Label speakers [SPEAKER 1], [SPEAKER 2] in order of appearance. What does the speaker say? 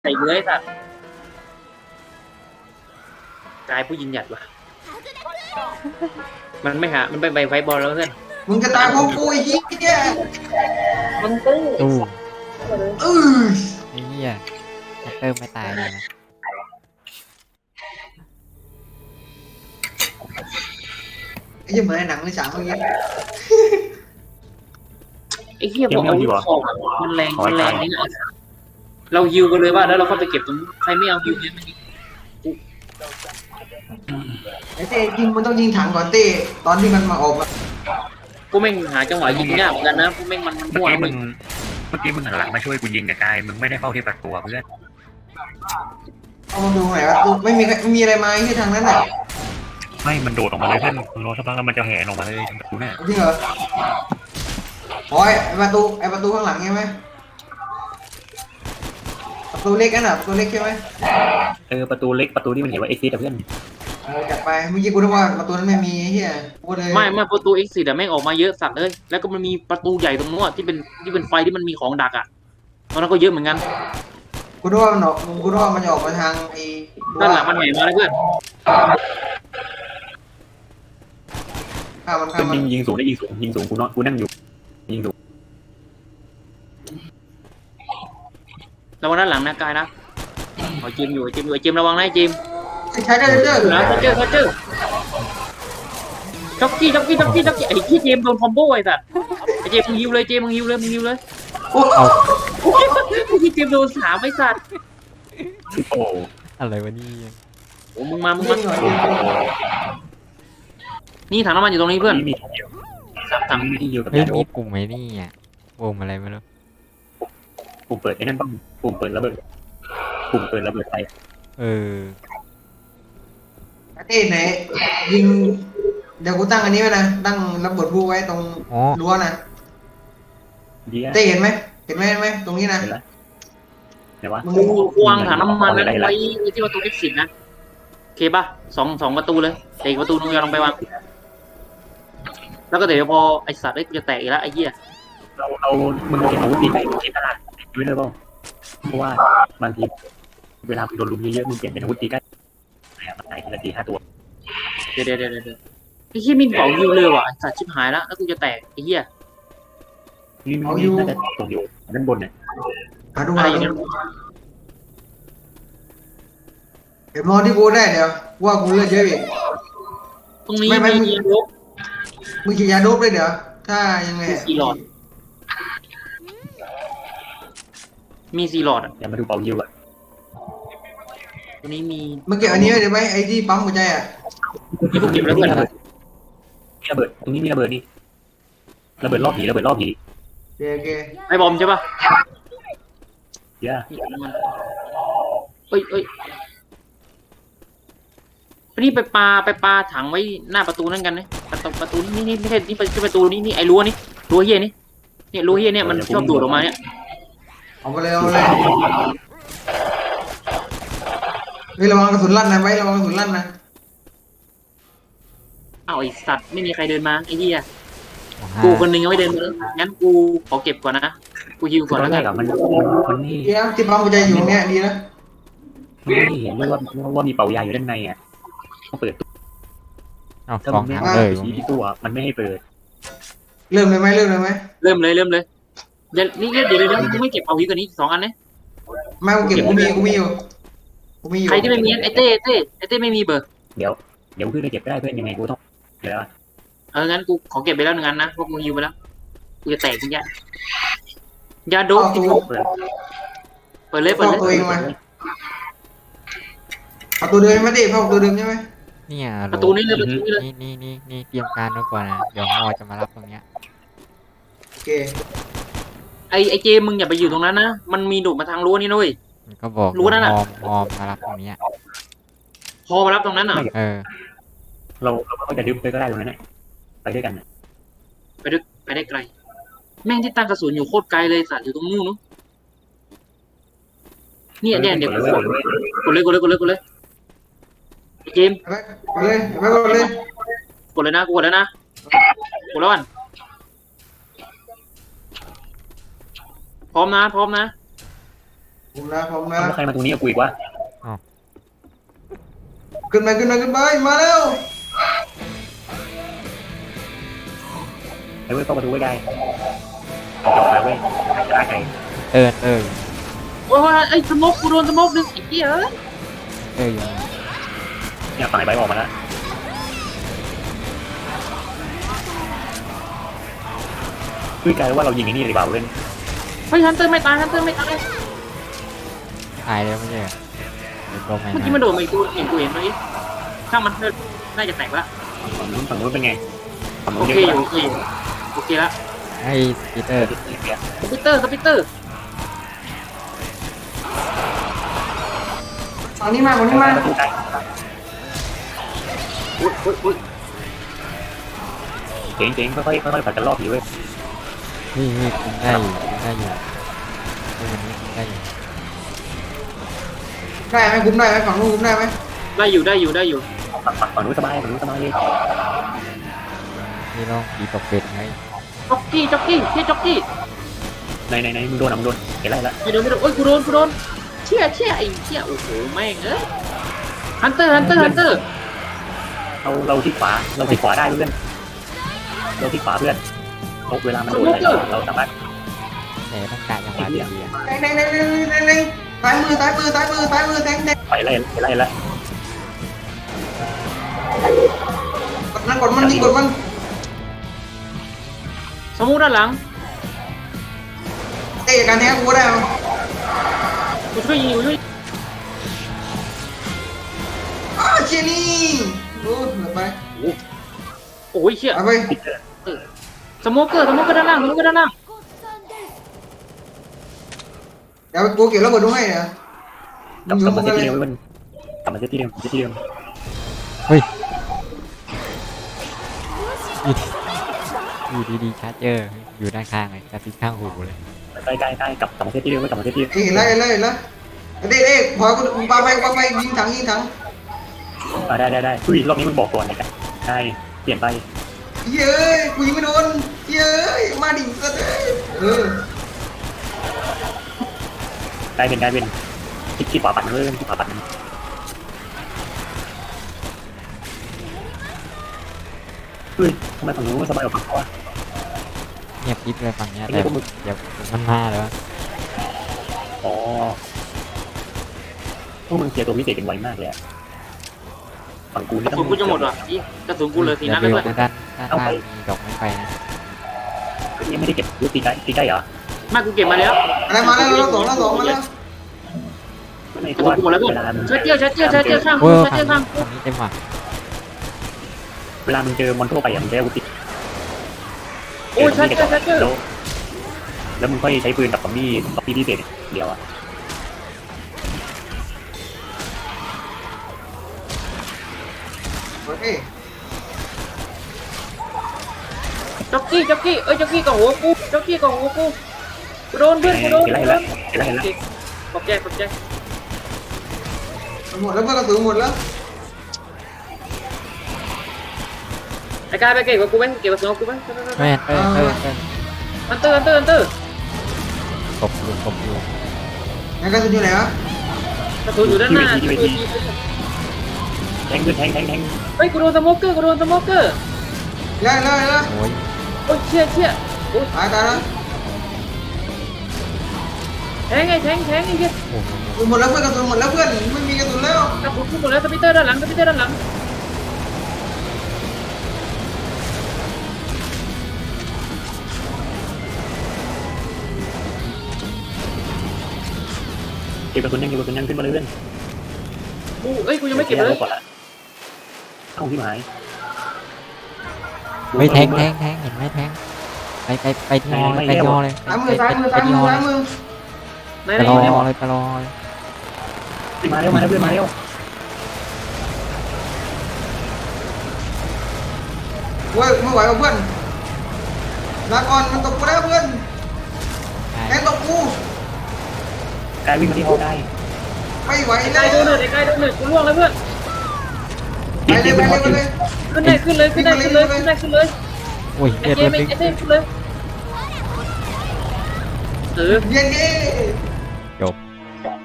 [SPEAKER 1] ใส่เลยสัตว์กายผู้ยิงหยัดว่ะมันไม่หามันไปไฟบอลแล้วเพื่อน
[SPEAKER 2] มึงจะตายเพราะกูไอ้เหี้ย
[SPEAKER 1] มันตื้อ
[SPEAKER 3] ตู้
[SPEAKER 2] เออ
[SPEAKER 3] ไอ้เหี้ยแฮกเตอร์ไม่ตายเลยนะ
[SPEAKER 2] ไอ้เหี้ยเหมือนในหนังเลยฉากเมื่อกี้
[SPEAKER 1] ไอ้เหี้ยบอกเอาลูกของมันแรงนี่ไงเราฮิวกันเลยว่าแล้วเราก็ไปเก็บตรงใครไม่เอาฮิวเนี่ยมัน
[SPEAKER 2] ไอ้เต้ยิงมันต้องยิงถังก่อนเต้ตอนที่มันมาออกอะ
[SPEAKER 1] กูแม่งหาจังหวะยิงยากเหมือนกันนะกูแม่งมัน
[SPEAKER 4] เมื่อ
[SPEAKER 1] มั่ว
[SPEAKER 4] กี้
[SPEAKER 1] มึ
[SPEAKER 4] มึ
[SPEAKER 1] ง
[SPEAKER 4] งเมื่อกี้มึงหันหลังมาช่วยกูยิงกับกายมึงไม่ได้เฝ้าที่ประตูเพื่อน
[SPEAKER 2] เอามาดูหน่อยว่าดูไม่มีอะไรมาที่ทางนั้นอ่ะ
[SPEAKER 4] ไม่มันโดดออกมาเลยเพื่อนมึงรอสักพักแล้วมันจะแห่ออกมาเลยทางประตูน่ะ
[SPEAKER 2] จริงเหรอโอ้ยไอประตูข้างหลังใช่ไหมประตูเล็กนั่นอ่ะประตูเล็กใช่ไหม
[SPEAKER 4] ประตูเล็กประตูที่มันเห็นว่าเอ็กซิสเพื่อน
[SPEAKER 2] จัดไปเมื่อกี้กูนึกว่าประตูนั้นไม่มีเฮียกูเลย
[SPEAKER 1] ไม่ประตู X4 แต่แม่งออกมาเยอะสัตว์เลยแล้วก็มันมีประตูใหญ่ตรงนู้นที่เป็นไฟที่มันมีของดักอ่ะตอนนั้นก็เยอะเหมือนกัน
[SPEAKER 2] กูนึกว่ามันออกกูนึกว่ามันจะออกมาทางไอ้
[SPEAKER 1] ด้านหลังมันแหงมาแล้วเพื่อน
[SPEAKER 2] ข้ามมัน
[SPEAKER 4] เพื่อน
[SPEAKER 2] ข้ามมัน
[SPEAKER 4] ยิงสูงได้ยิงสูงกูนั่งอยู่ยิงสูง
[SPEAKER 1] ระวังด้านหลังนะกายนะไอ้เจมอยู่ไอ้เจมระวังนะไอ้เจม
[SPEAKER 2] ใช้ได้เรื่อยๆ
[SPEAKER 1] นะเขาเจอจ็อกกี้ไอ้ที่เจมโดนคอมโบไอ้สัตว์ไอ้เจมมึงฮิวเลยมึงฮิวเลย
[SPEAKER 2] โอ้
[SPEAKER 3] เอา
[SPEAKER 1] โอ้ยที่เจมโดน3ไอ้สัตว์
[SPEAKER 4] โอ้
[SPEAKER 3] อะไรวะนี่
[SPEAKER 1] โอ้มึงมา
[SPEAKER 2] ยิงหน่อยยิงหน่อย
[SPEAKER 1] นี่ถังน้ำมันอยู่ตรงนี้เพื่อน
[SPEAKER 4] มีที่เดียว
[SPEAKER 1] ถัง
[SPEAKER 4] มีที่เดียวกับ
[SPEAKER 3] เฮ้ย
[SPEAKER 4] ยาโด
[SPEAKER 3] มี
[SPEAKER 4] บ
[SPEAKER 3] ปุ่มไหมนี่อ่ะปุ่มอะไรไม่รู้
[SPEAKER 4] ปุ่มเปิดไอ้นั่นบ้างปุ่มเปิดระเบิดไฟ
[SPEAKER 3] เออ
[SPEAKER 2] เต้ไหนยิงเดี๋ยวกูตั้งอันนี้ไว้นะตั้งระเบิดบูไว้ตรง
[SPEAKER 3] อ๋อ
[SPEAKER 2] รั้วนะ
[SPEAKER 4] เดียว
[SPEAKER 2] เต้เห็นไหมตรงนี้นะ
[SPEAKER 4] เห็นแล้วเดี๋ยววะ
[SPEAKER 1] มึงวางถังน้ำมันนั้นไว้ที่ประตู X10 นะโอเคป่ะสองประตูเลยแต่อีกประตูนึงอย่าลงไปวางแล้วก็เดี๋ยวพอไอ้สัตว์จะแตกอีกแล้วไอ้เหี้ย
[SPEAKER 4] เรามึงเห็นอาวุธตีไปที่ตลาดด้วยเลยเปล่าเพราะว่าบางทีเวลามึงโดนลุมเยอะๆมึงเปลี่ยนเป็นอาวุธตีใกล้มันตายทีละ4-5ตัว
[SPEAKER 1] เดี๋ยวไอ้เหี้ยมินเป่าฮิวเลยว่ะไอ้สัตว์ชิบหายแล้วกูจะแตกไอ้เหี้ย
[SPEAKER 4] นี่น่าจะตกอยู่ด้านบนเนี่ย
[SPEAKER 2] มาดู
[SPEAKER 1] อะไร
[SPEAKER 2] มา
[SPEAKER 1] อย่าง
[SPEAKER 2] ดู
[SPEAKER 1] เงี้ย
[SPEAKER 2] เดี๋ยวมองที่กูได้เดี๋ยวว่ากูเลือดเยอะอีก
[SPEAKER 1] ตรงนี้
[SPEAKER 2] ไม่
[SPEAKER 1] มีรบ
[SPEAKER 2] มึงฉีดยาโดบเลยเดี๋ยวถ้ายังไง
[SPEAKER 1] 4 หลอด มี4 หลอดอ่ะ
[SPEAKER 4] เดี๋ยวมาดูเป่ายิวอ่ะ
[SPEAKER 1] ตรงนี้มี
[SPEAKER 2] มึงเก็บอันนี้ไว้เดี๋ยวไหมไอ้ที่ปั๊มหัวใจอ่ะ
[SPEAKER 1] มีพวกเก็บแล้วเพื่อน
[SPEAKER 4] มีระเบิดตรงนี้มีระเบิดนี่ระเบิดรอบผี
[SPEAKER 2] โอเค
[SPEAKER 1] ไอ้บอมใช่ป่ะ
[SPEAKER 4] เยอะ
[SPEAKER 1] เอ้ยนี่ไปปลาถังไว้หน้าประตูนั่นกันนะประตูนี่ไม่ใช่นี่ประตูนี่ไอ้รั้วนี่รั้วเฮียนี่เนี่ยรั้วเฮียเนี่ยมันชอบดูดออกมาเนี่ย
[SPEAKER 2] เอาไปเลยเฮ้ยระวังกระสุนลั่นนะไว้ระวังกระสุนลั่นนะ
[SPEAKER 1] อ้าวไอ้สัตว์ไม่มีใครเดินมาไอ้เฮีย
[SPEAKER 3] ห้า
[SPEAKER 1] กูคนหนึงยังไม่เดินมาเลยงั้นกูขอเก็บก่อนนะกูฮิวก่อน
[SPEAKER 4] ตอ
[SPEAKER 1] แล้
[SPEAKER 4] น
[SPEAKER 1] ว
[SPEAKER 4] แร
[SPEAKER 1] กั
[SPEAKER 4] ก
[SPEAKER 1] น
[SPEAKER 4] อะมันไม่
[SPEAKER 2] เดี๋ยวที่ปั๊มหัวใจอยู่เนี่ยดีนะ
[SPEAKER 4] ไม่เห็นว่ามีเป่ายาอยู่ด้านในอ่ะต้องเปิดตู้
[SPEAKER 3] เอา
[SPEAKER 4] ถ้า
[SPEAKER 3] ส
[SPEAKER 4] มึ
[SPEAKER 3] อง
[SPEAKER 4] งไม่
[SPEAKER 3] ถังเลยตรง
[SPEAKER 4] ชี้
[SPEAKER 3] นี้
[SPEAKER 4] ที่ตู้อ่ะมันไม่ให้เปิด
[SPEAKER 2] เริ่มเลยไหม
[SPEAKER 1] เริ่มเลยเดี๋ยวมึงไม่เก็บเอาฮิวกันนี้2 อันนะ
[SPEAKER 2] ไม่กูเก็บกูมีอยู่
[SPEAKER 1] ใครที่ไม่มีไอ้เต้ไม่มีเบอร์
[SPEAKER 4] เดี๋ยวขึ้นไปเก็บได้เพื่อนยังไงกูต้องเดี๋ยว
[SPEAKER 1] งั้นกูขอเก็บไปแล้ว1 อันนะพวกมึงฮิวไปแล้วกูจะแตกจริงยาโดบ
[SPEAKER 2] เอาตัว
[SPEAKER 4] เปิด
[SPEAKER 1] เปิดเลย
[SPEAKER 2] เอาตัวเองมาเอาตัวเดิมไม่ได้เอาตัวเดิมใช่ไหม
[SPEAKER 3] เนี่ย
[SPEAKER 1] ประตูนี้เลย
[SPEAKER 3] นี่เตรียมการไว้ก่อนนะเดี๋ยวฮอจะมารับตรงเนี้ย
[SPEAKER 2] โอเค
[SPEAKER 1] ไอ้เจมึงอย่าไปอยู่ตรงนั้นนะมันมีดูดมาทางรั้วนี่นุ้ย
[SPEAKER 3] มันก็บอก
[SPEAKER 1] รู้นั่นน่ะ
[SPEAKER 3] ฮอมารับตรงเนี้ย
[SPEAKER 1] พอมารับตรงนั้นอ่ะ
[SPEAKER 3] เออ
[SPEAKER 4] เราก็จะดึงไปก็ได้ตรงนั้นไปด้วยกัน
[SPEAKER 1] ไปได้ไกลแม่งที่ตั้งกระสุนอยู่โคตรไกลเลยสัตว์อยู่ตรงนู้นนู้นเนี่ยเดี๋ยวกดเลยไอ้เจม
[SPEAKER 2] ไปเลยไปเลย
[SPEAKER 1] กดเลยนะกดแล้วนะกดแล้วกันพร้อมนะ
[SPEAKER 2] ผมนะผมนะ
[SPEAKER 4] แล้วใครมาตรงนี้กับกูอีกวะ
[SPEAKER 2] ขึ้นไปมาเร็ว
[SPEAKER 4] ไอ้เว้ยเข้าประตูไว้ได้เอาจับขาเว้ยจะได้ไง
[SPEAKER 3] เอิญ
[SPEAKER 1] โอ้ยไอ้สโมกกูโดนสโมกดึงไอ้เหี้ยเอ้ย
[SPEAKER 3] อยู่
[SPEAKER 4] เนี่ยฝั่งไอ้ใบออกมาแล้วคือกลายว่าเรายิงไอ้นี่ดีกว่าเว้ย
[SPEAKER 1] เฮ้ยฮันเตอร์ไม่ตายฮันเตอร์ไม่ตาย
[SPEAKER 3] ตายแล้วไม่ใช่เหรอเดี๋ยวลงไป
[SPEAKER 1] เมื่อกี้มันโดดมาอีกตัวเห็นเมื่อกี้ช่างมันเถอะน่าจะแตกละ
[SPEAKER 4] ฝั่งนู้นเป็นไงฝั่ง
[SPEAKER 1] โอ
[SPEAKER 4] นู้น
[SPEAKER 1] เค
[SPEAKER 4] เยอะ
[SPEAKER 1] อยู่โอเคละ
[SPEAKER 3] ให้ปีเตอร์
[SPEAKER 1] สปิเตอร์
[SPEAKER 2] ฝั่งนี้มาฝั่งนี้มา
[SPEAKER 4] ประตูใกล้
[SPEAKER 1] อุ้ย
[SPEAKER 4] เจ๋งค่อยๆผัดกันรอบผีเว้ย
[SPEAKER 3] นี่คุมได้อยู่คุมได้อยู่คุมอันนี้คุมได้อยู่
[SPEAKER 2] ได้ไหมคุ้มได้ไหมฝั่งนู้นคุ้มได้ไหม
[SPEAKER 1] ได้อยู่
[SPEAKER 4] ฝั่งนู้นสบายเลย
[SPEAKER 3] นี่ลองผีตกเป็ดไง
[SPEAKER 1] จ็อกกี้ที่จ็อกกี้
[SPEAKER 4] ในมึงโดนเห็นไรละ
[SPEAKER 1] ไม่โดนโอ้ยกูโดนเชี่ยไอ้เชี่ยโอ้โหแม่งเอ้ยฮันเตอร์
[SPEAKER 4] เราที่ขวาได้เพื่อนเราที่ขวาเพื่อนเวลามันโดนอะไรเราสามารถ
[SPEAKER 3] แต่ต้องการจังหวะดีๆอะ
[SPEAKER 2] ในซ้ายมือแทง
[SPEAKER 4] ไปไล่ละ
[SPEAKER 2] กดมันยิงกดมัน
[SPEAKER 1] สมูด้านหลัง
[SPEAKER 2] เตะการแทงกูได้
[SPEAKER 1] กูช่วยยิง
[SPEAKER 2] เชียนี่โอ้เหลือไป
[SPEAKER 1] โอ้ยเชี่ย
[SPEAKER 2] ไป
[SPEAKER 1] สโมเกอร์ด้านล่าง
[SPEAKER 2] เดี๋ยวกูเก็บระเบิดดูให้นะ
[SPEAKER 4] กลับมาเซตที่เดิมกลับมาเซตที่เดิม
[SPEAKER 3] อยู่ดีๆชาร์จเจอร์อยู่ด้านข้างเลยกระติกข้างหูเลย
[SPEAKER 4] ใกล้กลับมาเซตที่เดิม
[SPEAKER 2] เห็นแล้วเด็กพอกูปาไปยิงถัง
[SPEAKER 4] ได้อุ้ยรอบนี้มึงบอกก่อนเลยกันใช่เปลี่ยนไป
[SPEAKER 2] เย้ยกูยิงไม่โดนเย้ยมาดิก็ได้
[SPEAKER 4] กลายเป็นที่ขวาปัดเลยที่ขวาปัดเฮ้ยทำไมฝั่งนู้นสบายกว่าฝั่งเขาอะ
[SPEAKER 3] เงียบกิ๊บเลยฝั่งเนี้ยแต่เดี๋ยวมันมาแล้ว
[SPEAKER 4] อ๋อพวกมึงเสียตัวพิเศษกันไวมากเลยอะฝั่งกู
[SPEAKER 1] ก
[SPEAKER 4] นี่
[SPEAKER 1] ระสุนกูจะหมดว่ะกระสุนกูเลยทีนั้นเลย
[SPEAKER 3] ด้านล่างมีดอกไม้ไฟนะ
[SPEAKER 4] ยังไม่ได้เก็บรูปตีใกล้เหรอ
[SPEAKER 1] มากูเก็บมาแล้ว
[SPEAKER 2] อะไรมาแล้วเราสองมาแล้ว
[SPEAKER 4] ไม่
[SPEAKER 1] กระสุนกูหมดแล้วเพื่อนเชื้อเจี้ยวข้าง
[SPEAKER 3] โอ้
[SPEAKER 1] กู
[SPEAKER 3] ย
[SPEAKER 1] เชื้อเจี้ยวข้าง
[SPEAKER 3] ฝั่งนี้เต็มว่ะ
[SPEAKER 4] เวลามึงเจอมอนทั่วไปอะมึงได้อาวุธติด
[SPEAKER 1] โอ้ยเชื้อเจี้ยว
[SPEAKER 4] แล้วมึงค่อยใช้ปืนกับซอมบี้พิเศษเดียวอะ
[SPEAKER 2] โอเค
[SPEAKER 1] จ็อกกี้กับหัวกูโดนเพื่อนกูโดน
[SPEAKER 4] เห็นไรละ
[SPEAKER 1] ขอบใจ
[SPEAKER 2] หมดแล้วเพื่อนกระสุนหมดแล้ว
[SPEAKER 1] ไอ้กายไปเก็บกับกูไหมเก็บกระสุนกูไหม
[SPEAKER 3] ไม่
[SPEAKER 1] ฮันเตอร์
[SPEAKER 3] ตบอยู่
[SPEAKER 2] งั้นกระสุนอยู่ไหนวะ
[SPEAKER 1] กระสุนอยู่ด้านหน้า
[SPEAKER 4] แทงขึ้นแทง
[SPEAKER 1] เฮ้ยกูโดนสโมเกอร์
[SPEAKER 2] ได้
[SPEAKER 3] โอ้ย
[SPEAKER 1] โอ้ยเชี่ยโอ้ย
[SPEAKER 2] ตายแล้ว
[SPEAKER 1] แทงไอ้เหี้ย
[SPEAKER 3] โอ้โห
[SPEAKER 2] หมดแล้วเพื่อนกระสุนหมดแล้วเพื่อนไม่มีกระสุนแล้ว
[SPEAKER 1] กระสุนกูหมดแล้วสปิเตอร์ด้านหลัง
[SPEAKER 4] เก็บกระสุนยังขึ้นมาเรื่อย
[SPEAKER 1] กูยังไม่เก็บเลย
[SPEAKER 4] เอ้าที่หมาย
[SPEAKER 3] ไม่แทงเห็นไหมแทงไปที่ฮอเลยไปที่ฮอเลย
[SPEAKER 2] ซ้ายมือ
[SPEAKER 1] ไหน
[SPEAKER 3] ไปรอเลย
[SPEAKER 4] มาเร็วเพื่อนมาเร็ว
[SPEAKER 2] เว้ยไม่ไหวกับเพื่อนลาก่อนมันตกกูแล้วเพื่อนแทงตกกู
[SPEAKER 4] กายวิ่งมาที่ห้องได้
[SPEAKER 2] ไม่ไหว
[SPEAKER 1] ไอ้
[SPEAKER 2] แล้
[SPEAKER 1] กายว โดนเลยกูล่วงแล้วเพื่อน
[SPEAKER 2] ไปเลย
[SPEAKER 1] ขึ้นเลย
[SPEAKER 3] โอ้ย
[SPEAKER 1] ไอ้
[SPEAKER 3] เลือด
[SPEAKER 1] เจ
[SPEAKER 3] เลือด
[SPEAKER 1] มส์ขึ้นเลย
[SPEAKER 2] เย็น